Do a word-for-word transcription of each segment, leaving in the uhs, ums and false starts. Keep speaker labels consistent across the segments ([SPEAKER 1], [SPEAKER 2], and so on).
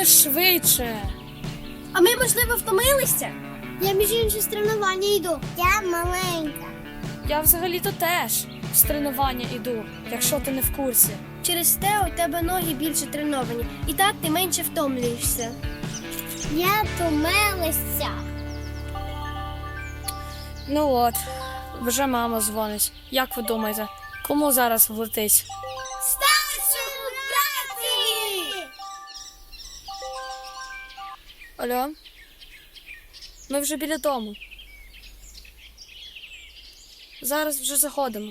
[SPEAKER 1] швидше.
[SPEAKER 2] А ми, можливо, втомилися?
[SPEAKER 3] Я між іншим з тренування йду. Я маленька.
[SPEAKER 1] Я взагалі-то теж з тренування йду, якщо ти не в курсі.
[SPEAKER 2] Через те у тебе ноги більше треновані. І так ти менше втомлюєшся.
[SPEAKER 3] Я втомилася.
[SPEAKER 1] Ну от, вже мама дзвонить. Як ви думаєте, кому зараз влетить?
[SPEAKER 3] Старшому браті!
[SPEAKER 1] Алло? Ми вже біля дому. Зараз вже заходимо.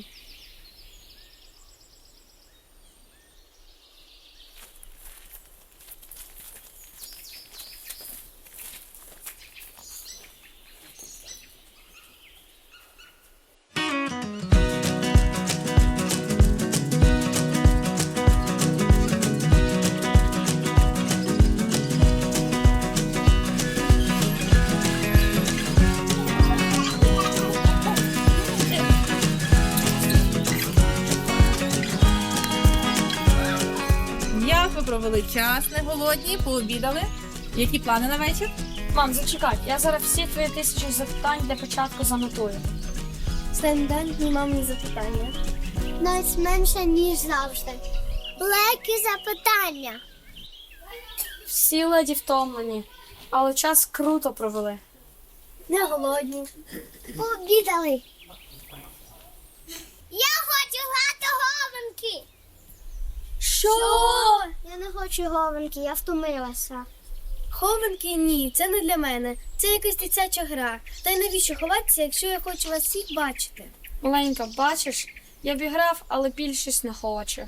[SPEAKER 4] Як ви провели час, не голодні, пообідали? Які плани на вечір?
[SPEAKER 1] Мам, зачекай, я зараз всі твої тисячі запитань для початку занотую.
[SPEAKER 2] Стандартні мамні запитання.
[SPEAKER 3] Навіть менше, ніж завжди. Легкі запитання.
[SPEAKER 1] Всі леді втомлені, але час круто провели.
[SPEAKER 2] Не голодні.
[SPEAKER 3] Пообідали. Я хочу грати говенки.
[SPEAKER 1] Що?
[SPEAKER 3] Я не хочу говенки, я втомилася.
[SPEAKER 2] Хованки ні, це не для мене. Це якась дитяча гра. Та й навіщо ховатися, якщо я хочу вас всіх бачити?
[SPEAKER 1] Маленька, бачиш, я б і грав, але більшість не хоче.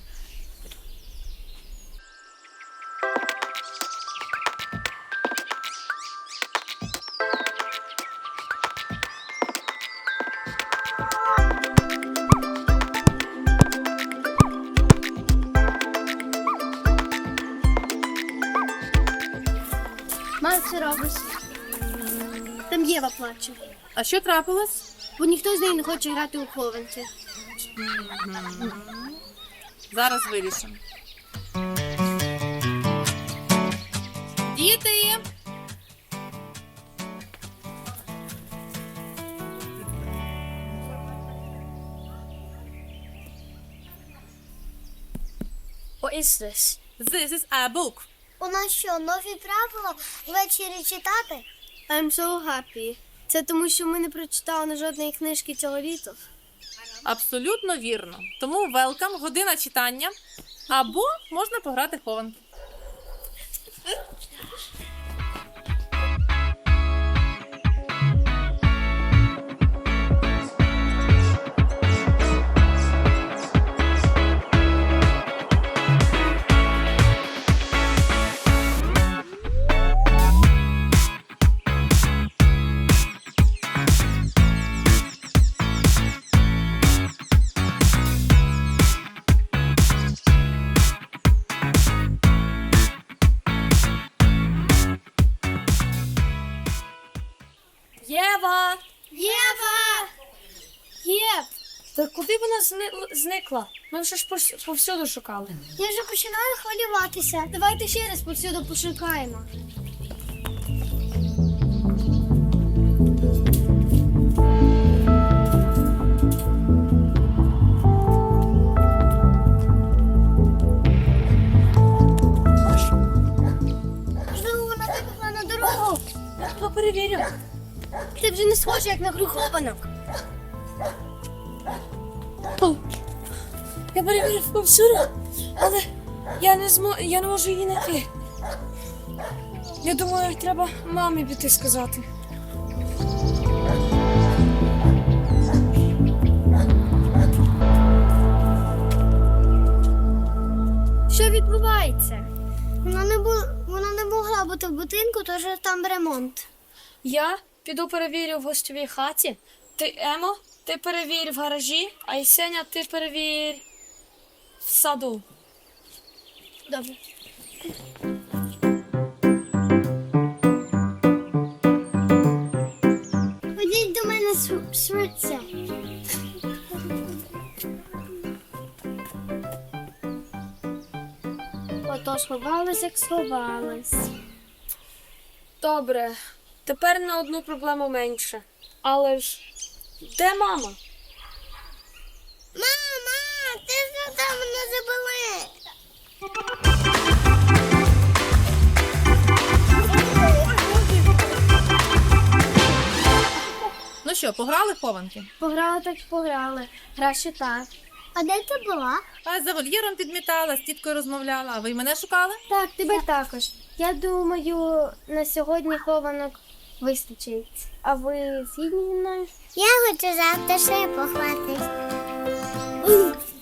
[SPEAKER 2] Мам, що робиш? Там Єва плаче.
[SPEAKER 4] А що трапилось?
[SPEAKER 2] Бо ніхто з нею не хоче грати у хованки.
[SPEAKER 4] Зараз вирішимо. Діти!
[SPEAKER 1] What is this?
[SPEAKER 4] This is a book.
[SPEAKER 3] У нас що, нові правила ввечері читати?
[SPEAKER 2] I'm so happy. Це тому, що ми не прочитали жодної книжки цього літа.
[SPEAKER 4] Абсолютно вірно. Тому welcome, година читання. Або можна пограти в хованки.
[SPEAKER 1] Єва!
[SPEAKER 2] Єва! Єв!
[SPEAKER 1] Та куди вона зни- зникла? Ми вже ж пос- повсюду шукали.
[SPEAKER 3] Я вже починаю хвилюватися.
[SPEAKER 2] Давайте ще раз повсюди пошукаємо.
[SPEAKER 3] Можливо, вона вибігла на дорогу.
[SPEAKER 1] Хто перевірив?
[SPEAKER 2] Ти вже не схожа, як на гру хованок.
[SPEAKER 1] О, я перевірив повсюди, але я не змо... я не можу її знайти. Я думаю, треба мамі піти сказати.
[SPEAKER 2] Що відбувається?
[SPEAKER 3] Вона не, бу... вона не могла бути в будинку, тож там ремонт.
[SPEAKER 1] Я піду перевірю в гостьовій хаті. Ти, Емо, ти перевір в гаражі, а Єсеня, ти перевір в саду.
[SPEAKER 2] Добре.
[SPEAKER 3] Ходіть до мене шв- швидше.
[SPEAKER 2] Ото сховалась, як сховалась.
[SPEAKER 1] Добре, тепер на одну проблему менше. Але ж де мама?
[SPEAKER 3] Мама, ти що там мене забили?
[SPEAKER 4] Ну що, пограли в хованки?
[SPEAKER 2] Пограли так пограли. Краще так.
[SPEAKER 3] А де ти була?
[SPEAKER 4] А за вольєром підмітала, з тіткою розмовляла. А ви й мене шукали?
[SPEAKER 2] Так, тебе також. Я думаю, на сьогодні хованок вистачить. А ви згідні зі мною?
[SPEAKER 3] Я хочу завтра ще похватись.